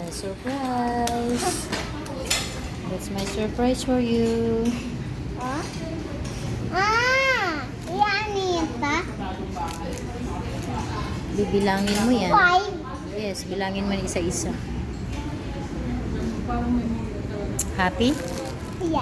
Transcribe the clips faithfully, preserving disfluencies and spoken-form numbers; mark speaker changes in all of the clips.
Speaker 1: my surprise. That's my surprise for you.
Speaker 2: Oh? Ah! Yan ito.
Speaker 1: Bibilangin mo yan.
Speaker 2: Five.
Speaker 1: Yes, bilangin mo isa-isa. Happy?
Speaker 2: Yeah.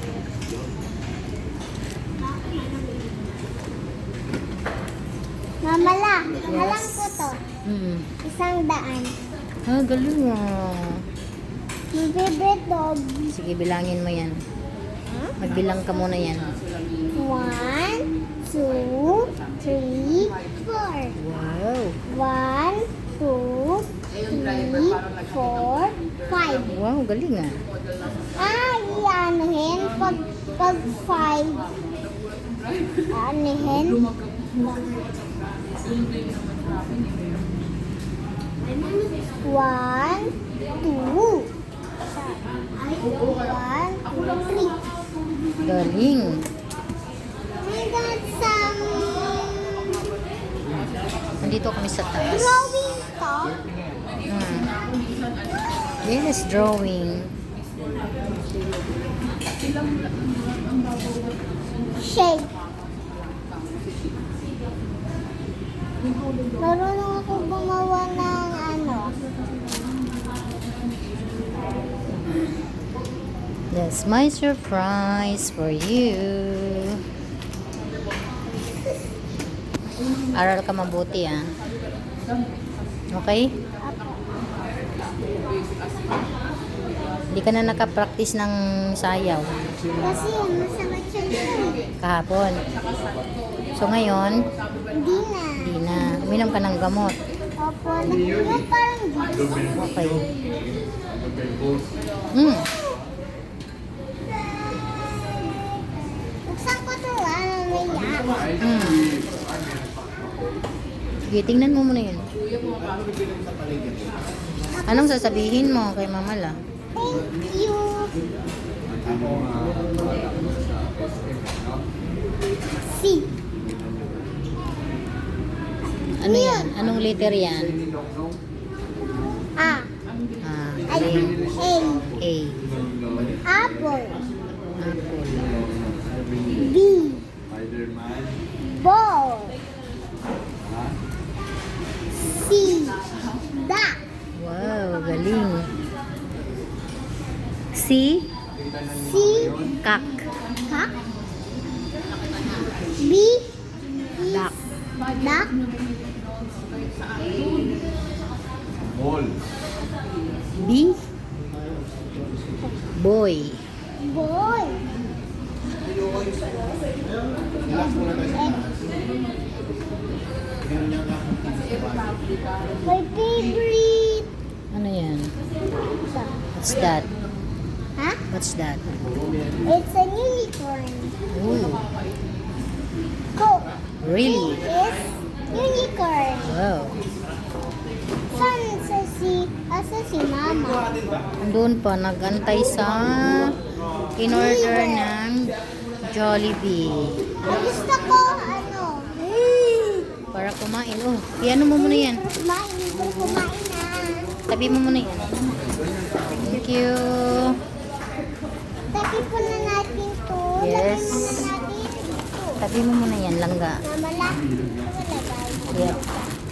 Speaker 2: Mamala, alam ko to.
Speaker 1: Hmm.
Speaker 2: Isang daan.
Speaker 1: Ah, galing ah.
Speaker 2: My favorite dog.
Speaker 1: Sige, bilangin mo yan. Magbilang ka muna yan.
Speaker 2: One, two, three, four.
Speaker 1: Wow.
Speaker 2: One, two, three, four, five.
Speaker 1: Wow, galing ah.
Speaker 2: Ah, iyanuhin pag, pag five. Anuhin. One, two. One, two, three.
Speaker 1: Galing.
Speaker 2: We got some
Speaker 1: Nandito kami sa taas.
Speaker 2: drawing stuff.
Speaker 1: Hmm. Yes, drawing.
Speaker 2: Shape. Marunong ako gumawa ng ano.
Speaker 1: That's my surprise for you. Aral ka mabuti ah. Okay? Hindi ka na nakapractice ng sayaw
Speaker 2: Kasi masakit siya dyan.
Speaker 1: kahapon. So ngayon,
Speaker 2: Hindi na.
Speaker 1: hindi na. Uminom ka ng gamot.
Speaker 2: Opo, yung parang juice.
Speaker 1: Okay. Hmm.
Speaker 2: Buksan ko to ah, may yak.
Speaker 1: Hmm. Sige, tingnan mo muna yun. Anong sasabihin mo kay Mama La?
Speaker 2: Thank you. C.
Speaker 1: Ano yan? Anong letter yan?
Speaker 2: A.
Speaker 1: Ah,
Speaker 2: Ay,
Speaker 1: galing.
Speaker 2: A.
Speaker 1: A.
Speaker 2: Apple.
Speaker 1: Apple.
Speaker 2: B. Ball. C. Duck.
Speaker 1: Wow, galing. C.
Speaker 2: C.
Speaker 1: Kak.
Speaker 2: Cock. B.
Speaker 1: Duck.
Speaker 2: Duck.
Speaker 1: B. Boy.
Speaker 2: Boy. My favorite.
Speaker 1: Ano yan? What's that?
Speaker 2: Huh?
Speaker 1: What's that?
Speaker 2: It's a unicorn.
Speaker 1: Ooh,
Speaker 2: Coke
Speaker 1: really?
Speaker 2: is unicorn.
Speaker 1: Wow.
Speaker 2: San sa si, asa si mama?
Speaker 1: Doon pa, nag-antay sa in-order ng Jollibee.
Speaker 2: Gusto ko, ano?
Speaker 1: Para kumain. Oh, piano mo muna yan.
Speaker 2: Kumain, hindi kumain na.
Speaker 1: Tabi mo muna yan. Thank you.
Speaker 2: Tapi po na natin to.
Speaker 1: Yes.
Speaker 2: Lagyan na natin ito.
Speaker 1: Tabi mo muna yan, langga.
Speaker 2: Mamala. Mamala.
Speaker 1: Yeah.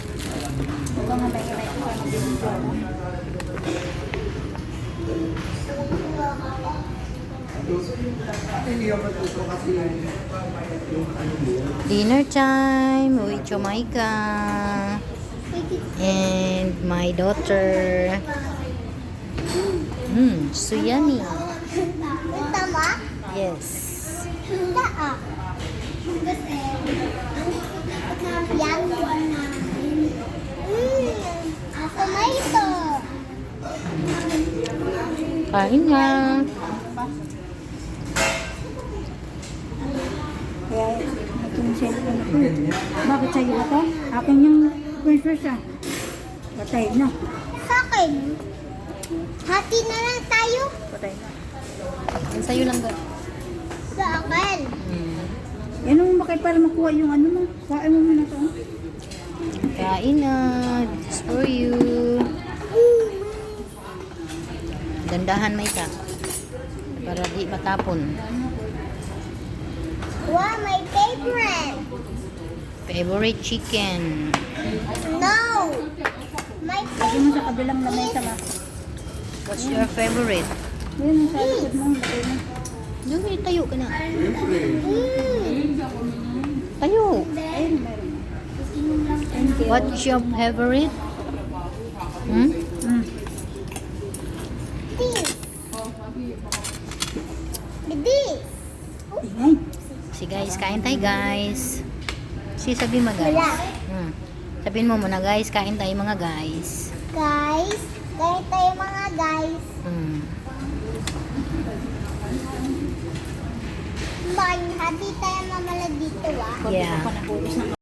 Speaker 1: Dinner time with Jamaica and my daughter. Hmm, so yummy.
Speaker 2: Ito ba?
Speaker 1: Yes.
Speaker 2: Ito ah. Yan. Mmm. Ako na ito.
Speaker 1: Kain nga.
Speaker 3: Kaya ito yung cellphone ko. Bakit sa'yo ba to? Akin yung princess ah. Patay na.
Speaker 2: Sa akin. Hati na lang tayo.
Speaker 3: Patay na.
Speaker 1: Yan sa'yo lang ba?
Speaker 2: Sa akin.
Speaker 1: Hmm.
Speaker 3: Yan ang bakit para makuha yung ano mo. Kuhain mo muna to.
Speaker 1: Kain na. Just for you. Dandahan may ka. Para di matapon.
Speaker 2: Wow, my favorite.
Speaker 1: Favorite chicken.
Speaker 2: No. My
Speaker 3: Lagi mo sa kabilang lamesa ba?
Speaker 1: What's your favorite?
Speaker 3: Yun, sa likod mo. Lagay mo.
Speaker 1: Dumi, tayo ka na.
Speaker 2: Mm.
Speaker 1: Tayo.
Speaker 3: Ayun, meron. Thank you.
Speaker 1: What's your favorite? Hmm?
Speaker 3: Mm.
Speaker 2: This. This.
Speaker 3: Ingay.
Speaker 1: Si guys, kain tayo guys. Si sabi mo guys.
Speaker 2: Wala.
Speaker 1: Hmm. Sabihin mo muna guys, kain tayo mga guys.
Speaker 2: Guys, kahit tayo mga guys.
Speaker 1: Hmm.
Speaker 2: Bye. Happy tayo mamala dito ah.
Speaker 1: Yeah.
Speaker 3: Panabulos ng